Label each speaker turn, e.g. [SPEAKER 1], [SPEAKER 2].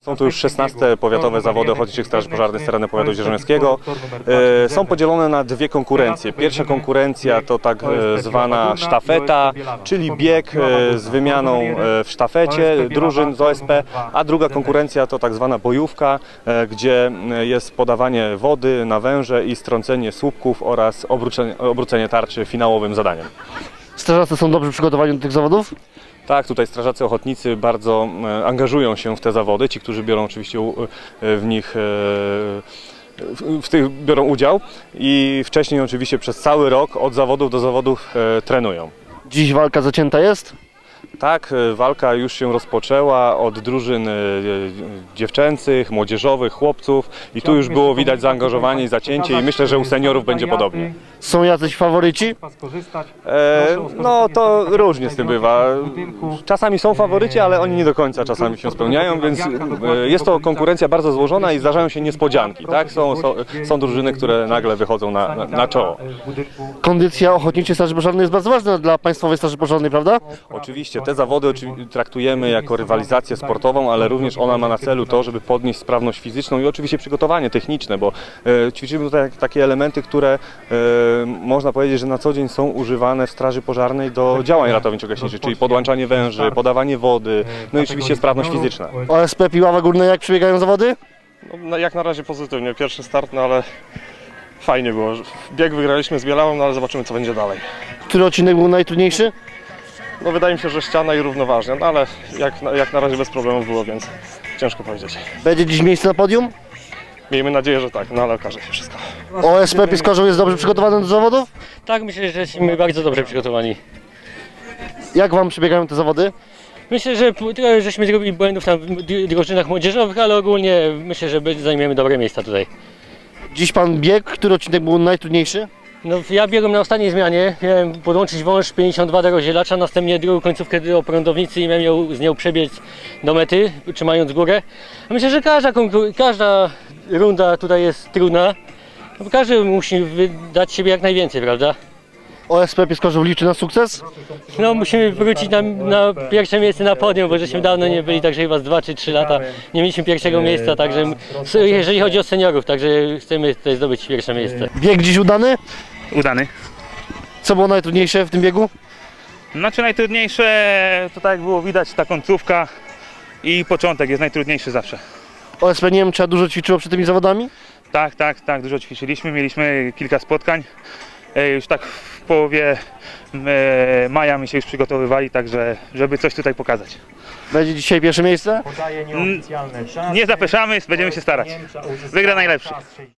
[SPEAKER 1] Są to już 16 powiatowe zawody ochotniczych straży pożarnych z terenu powiatu dzierżoniowskiego. Są podzielone na dwie konkurencje. Pierwsza konkurencja to tak zwana sztafeta, czyli bieg z wymianą w sztafecie drużyn z OSP, a druga konkurencja to tak zwana bojówka, gdzie jest podawanie wody na węże i strącenie słupków oraz obrócenie tarczy finałowym zadaniem.
[SPEAKER 2] Strażacy są dobrze przygotowani do tych zawodów?
[SPEAKER 1] Tak, tutaj strażacy ochotnicy bardzo angażują się w te zawody, ci, którzy biorą oczywiście w nich biorą udział i wcześniej oczywiście przez cały rok od zawodów do zawodów trenują.
[SPEAKER 2] Dziś walka zacięta jest?
[SPEAKER 1] Tak, walka już się rozpoczęła od drużyn dziewczęcych, młodzieżowych, chłopców i tu już było widać zaangażowanie i zacięcie i myślę, że u seniorów będzie podobnie.
[SPEAKER 2] Są jacyś faworyci?
[SPEAKER 1] No to różnie z tym bywa. Czasami są faworyci, ale oni nie do końca czasami się spełniają, więc jest to konkurencja bardzo złożona i zdarzają się niespodzianki. Tak? Są drużyny, które nagle wychodzą na czoło.
[SPEAKER 2] Kondycja ochotniczej straży pożarnej jest bardzo ważna dla Państwowej Straży Pożarnej, prawda?
[SPEAKER 1] Oczywiście, te zawody traktujemy jako rywalizację sportową, ale również ona ma na celu to, żeby podnieść sprawność fizyczną i oczywiście przygotowanie techniczne, bo ćwiczymy tutaj takie elementy, które można powiedzieć, że na co dzień są używane w straży pożarnej do działań ratowniczo-gaśniczych, czyli podłączanie węży, podawanie wody, no i oczywiście sprawność fizyczna.
[SPEAKER 2] OSP Piława Górna, jak przebiegają zawody?
[SPEAKER 3] No, jak na razie pozytywnie, pierwszy start, no ale fajnie było. Bieg wygraliśmy z Bielawą, no ale zobaczymy, co będzie dalej.
[SPEAKER 2] Który odcinek był najtrudniejszy?
[SPEAKER 3] No wydaje mi się, że ściana i równoważnie, no ale jak na razie bez problemów było, więc ciężko powiedzieć.
[SPEAKER 2] Będzie dziś miejsce na podium?
[SPEAKER 3] Miejmy nadzieję, że tak, no ale okaże się wszystko.
[SPEAKER 2] OSP Piskorzeł jest dobrze przygotowany do zawodów?
[SPEAKER 4] Tak, myślę, że jesteśmy bardzo dobrze przygotowani.
[SPEAKER 2] Jak Wam przebiegają te zawody?
[SPEAKER 4] Myślę, że trochę żeśmy zrobili błędów tam w drużynach młodzieżowych, ale ogólnie myślę, że zajmiemy dobre miejsca tutaj.
[SPEAKER 2] Dziś Pan biegł, który odcinek był najtrudniejszy?
[SPEAKER 4] No, ja biegłem na ostatniej zmianie, miałem podłączyć wąż 52 do rozdzielacza, następnie drugą końcówkę do prądownicy i miałem z nią przebiec do mety, trzymając górę. A myślę, że każda runda tutaj jest trudna, bo każdy musi dać siebie jak najwięcej, prawda?
[SPEAKER 2] OSP Piskorzeł liczy na sukces?
[SPEAKER 4] No, musimy wrócić na pierwsze miejsce na podium, bo żeśmy dawno nie byli, także chyba z 2 czy 3 lata nie mieliśmy pierwszego miejsca, także jeżeli chodzi o seniorów, także chcemy tutaj zdobyć pierwsze miejsce.
[SPEAKER 2] Bieg dziś udany?
[SPEAKER 5] Udany.
[SPEAKER 2] Co było najtrudniejsze w tym biegu?
[SPEAKER 5] Znaczy najtrudniejsze, to tak jak było widać, ta końcówka i początek jest najtrudniejszy zawsze.
[SPEAKER 2] OSP Niemcza dużo ćwiczyło przed tymi zawodami?
[SPEAKER 5] Tak, dużo ćwiczyliśmy, mieliśmy kilka spotkań. Już tak w połowie maja my się już przygotowywali, także żeby coś tutaj pokazać.
[SPEAKER 2] Będzie dzisiaj pierwsze miejsce?
[SPEAKER 5] Nie zapeszamy, będziemy się starać. Wygra najlepszy.